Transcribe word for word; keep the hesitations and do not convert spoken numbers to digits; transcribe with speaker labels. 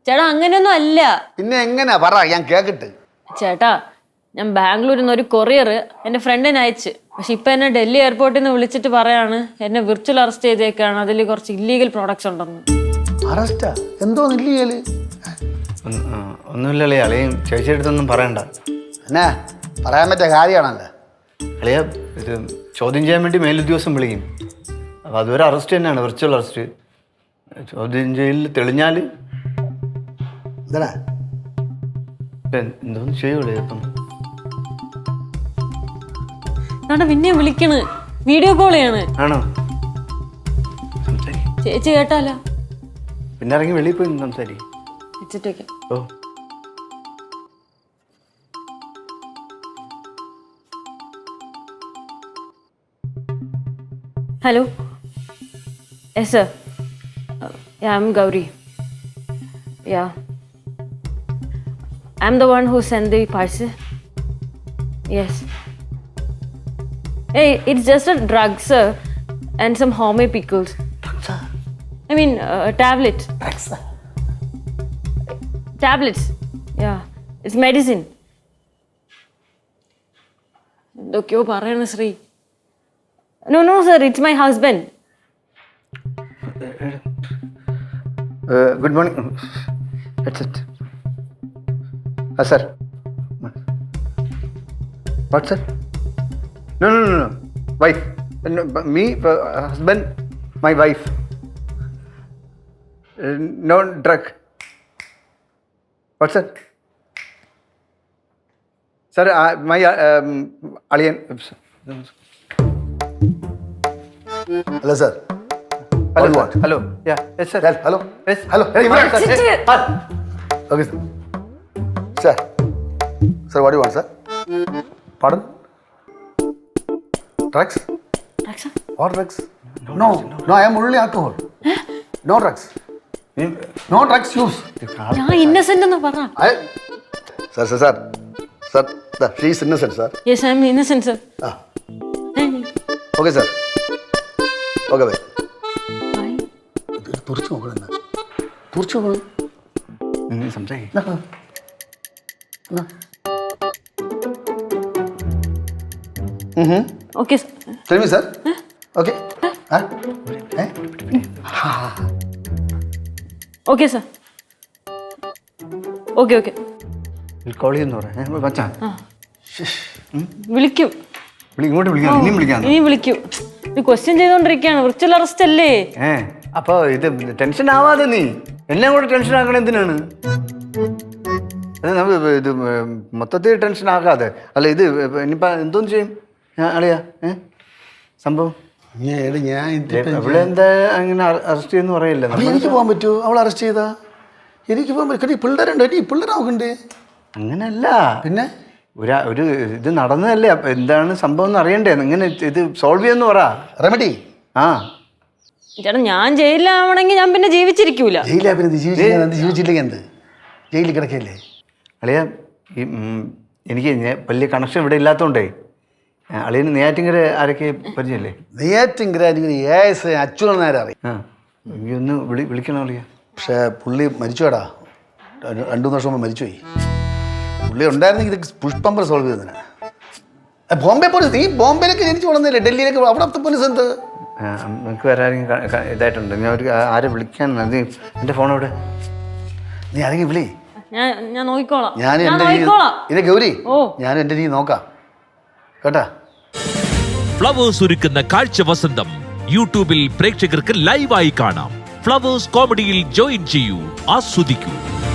Speaker 1: ചേട്ടാ അങ്ങനെയൊന്നും അല്ല.
Speaker 2: പിന്നെ എങ്ങനെയാ പറ, ഞാൻ കേക്കട്ടെ.
Speaker 1: ചേട്ടാ ഞാൻ ബാംഗ്ലൂരിൽ നിന്ന് ഒരു കൊറിയർ എൻ്റെ ഫ്രണ്ടിന് അയച്ച്. പക്ഷെ ഇപ്പൊ എന്നെ ഡൽഹി എയർപോർട്ടിൽ നിന്ന് വിളിച്ചിട്ട് പറയാണ് എന്നെ വിർച്വൽ അറസ്റ്റ് ചെയ്തേക്കാണ്, അതിൽ കുറച്ച് ഇല്ലീഗൽ പ്രോഡക്ട്സ് ഉണ്ടെന്ന്.
Speaker 2: അറസ്റ്റാ? എന്തോ ഇല്ലീഗല്?
Speaker 3: ഒന്നുമില്ലല്ലേ അളിയും ചേച്ചിയെടുത്തൊന്നും പറയണ്ട.
Speaker 2: എന്നാ പറയാൻ പറ്റിയ കാര്യമാണല്ലോ.
Speaker 3: അളിയ ഇത് ചോദ്യം ചെയ്യാൻ വേണ്ടി മേലുദ്യോഗസ്ഥൻ വിളിക്കും. അപ്പോൾ അതുവരെ അറസ്റ്റ് തന്നെയാണ്, വിർച്വൽ അറസ്റ്റ്. ചോദ്യം ചെയ്യലിൽ തെളിഞ്ഞാൽ
Speaker 2: എന്താ
Speaker 3: എന്തോന്ന് ചെയ്യുള്ളൂ. ഇപ്പം
Speaker 1: പിന്നെ വിളിക്കണ്, വീഡിയോ കോൾ ചെയ്യാണ്.
Speaker 3: ആണോ? സംസാരിക്കും.
Speaker 1: ചേച്ചി കേട്ടാലോ?
Speaker 3: പിന്നെ ഇറങ്ങി വെളിയിൽ പോയി സംസാരിക്കും.
Speaker 1: വെച്ചിട്ട് വെക്കാം.
Speaker 3: ഓ
Speaker 1: Hello. Yes, sir. Uh, yeah, I'm Gauri. Yeah. I'm the one who sent the parcel. Yes. Hey, it's just a drug, sir, and some homemade pickles.
Speaker 2: Drugs?
Speaker 1: I mean, uh, tablets.
Speaker 2: Drugs?
Speaker 1: Tablets. Yeah. It's medicine. എന്തൊക്കെയോ പറയണ Shri. No, no, sir. It's my husband.
Speaker 3: Uh, good morning. That's it. Ah, sir. What, sir? No, no, no, no. Wife. No, me, uh, husband, my wife. Uh, no drug. What, sir? Sir, uh, my uh, um, alien.
Speaker 2: Hello, sir.
Speaker 3: Hello, what? Hello. Yeah. Yes, sir.
Speaker 2: Yes, hello.
Speaker 3: Yes.
Speaker 2: Hello. Hey,
Speaker 3: Yes, sir.
Speaker 1: Sit
Speaker 3: Yes. Ah.
Speaker 2: Okay, sir. Sir. Sir, what do you want, sir? Pardon? Drugs?
Speaker 1: Raksha?
Speaker 2: What drugs? No, no, no, I am only alcohol. No drugs. No drugs use.
Speaker 1: ഞാൻ ഇന്നസെന്റ് എന്ന് പറ.
Speaker 2: I... Sir, sir, sir. Sir, the, she is innocent, sir.
Speaker 1: Yes, I am innocent, sir.
Speaker 2: Ah. Okay, sir. Okay, bye.
Speaker 1: Bye.
Speaker 2: തുറച്ചു നോക്കണം, തുറച്ചു നോക്കണം.
Speaker 3: സംസാരിക്കും.
Speaker 1: Okay, sir.
Speaker 2: Tell me, sir. Okay. Huh? Eh?
Speaker 1: Okay, sir. Okay, okay.
Speaker 3: Call ചെയ്യുന്ന പറയാം. മച്ചാ
Speaker 1: വിളിക്കും.
Speaker 3: ഇങ്ങോട്ട് വിളിക്കാം. ഇനിയും വിളിക്കാം.
Speaker 1: ഇനി വിളിക്കും. ഇത് ക്വസ്റ്റ്യൻ ചെയ്തോണ്ടിരിക്കുകയാണ്. വിർച്വൽ അറസ്റ്റ് അല്ലേ?
Speaker 3: ഏ അപ്പൊ ഇത് ടെൻഷൻ ആവാതെ നീ എല്ലാം കൂടെ ടെൻഷൻ ആക്കണ എന്തിനാണ്? അത് നമുക്ക് ഇത് മൊത്തത്തിൽ ടെൻഷൻ ആക്കാതെ. അല്ല ഇത് ഇനിയിപ്പോ എന്തോന്ന് ചെയ്യും അളിയാ? ഏ സംഭവം ഇവിടെ എന്താ അങ്ങനെ അറസ്റ്റ് ചെയ്യുന്ന പറയില്ല.
Speaker 2: എനിക്ക് പോകാൻ പറ്റുമോ? അവൾ അറസ്റ്റ് ചെയ്താ എനിക്ക് പോകാൻ പറ്റും. പിള്ളേരുണ്ട്, ഈ പിള്ളേർ നോക്കണ്ടേ?
Speaker 3: അങ്ങനല്ല.
Speaker 2: പിന്നെ
Speaker 3: ഒരു ഒരു ഇത് നടന്നതല്ലേ, അപ്പൊ എന്താണ് സംഭവം എന്ന് അറിയണ്ടേ? ഇങ്ങനെ ഇത് സോൾവ് ചെയ്യുമെന്ന് പറ.
Speaker 2: റെമഡി.
Speaker 1: ആ ചേട്ടാ ഞാൻ ജയിലിലാവണമെങ്കിൽ ഞാൻ പിന്നെ ജീവിച്ചിരിക്കൂല.
Speaker 2: ജയിലാ പിന്നെ ജീവിച്ചില്ലെങ്കിൽ എന്ത്? ജയിലിൽ കിടക്കല്ലേ
Speaker 3: അളിയ. ഈ എനിക്ക് വലിയ കണക്ഷൻ ഇവിടെ ഇല്ലാത്തതുകൊണ്ടേ അളിയന് നെയ്യാറ്റിങ്കര ആരൊക്കെ പരിചയല്ലേ?
Speaker 2: നെയ്യാറ്റിങ്കര അച്യുതൻ നേരെ അറിയാം.
Speaker 3: ആ എനിക്കൊന്ന് വിളി വിളിക്കണം അളിയ.
Speaker 2: പക്ഷേ പുള്ളി മരിച്ചുവേടാ, രണ്ടു മൂന്ന് വർഷം മുമ്പ് മരിച്ചുപോയി. പുള്ളി ഉണ്ടായിരുന്നെങ്കിൽ ഇത് പുഷ്പമ്പർ സോൾവ് ചെയ്തതിനാ. ബോംബെ പോലീസ്, നീ ബോംബെയിലേക്ക് ജനിച്ചു വളർന്നില്ലേ, ഡൽഹിയിലേക്ക് അവിടുത്തെ പോലീസ് എന്ത്?
Speaker 3: നമുക്ക് വേറെ ആരെങ്കിലും ഇതായിട്ടുണ്ട്. ഞാൻ ഒരു ആരെ വിളിക്കാൻ നീ എൻ്റെ ഫോൺ എവിടെ?
Speaker 2: നീ ആരെങ്കിലും വിളി,
Speaker 1: ഞാൻ ഞാൻ നോക്കിക്കോളാം.
Speaker 2: ഞാൻ എൻ്റെ ഇതേ ഗൗരി, ഞാൻ എൻ്റെ രീതി നോക്കാം കേട്ടാ.
Speaker 4: ഫ്ലവേഴ്സ് ഒരുക്കുന്ന കാഴ്ച വസന്തം യൂട്യൂബിൽ പ്രേക്ഷകർക്ക് ലൈവായി കാണാം. ഫ്ലവേഴ്സ് കോമഡിയിൽ ജോയിൻ ചെയ്യൂ, ആസ്വദിക്കൂ.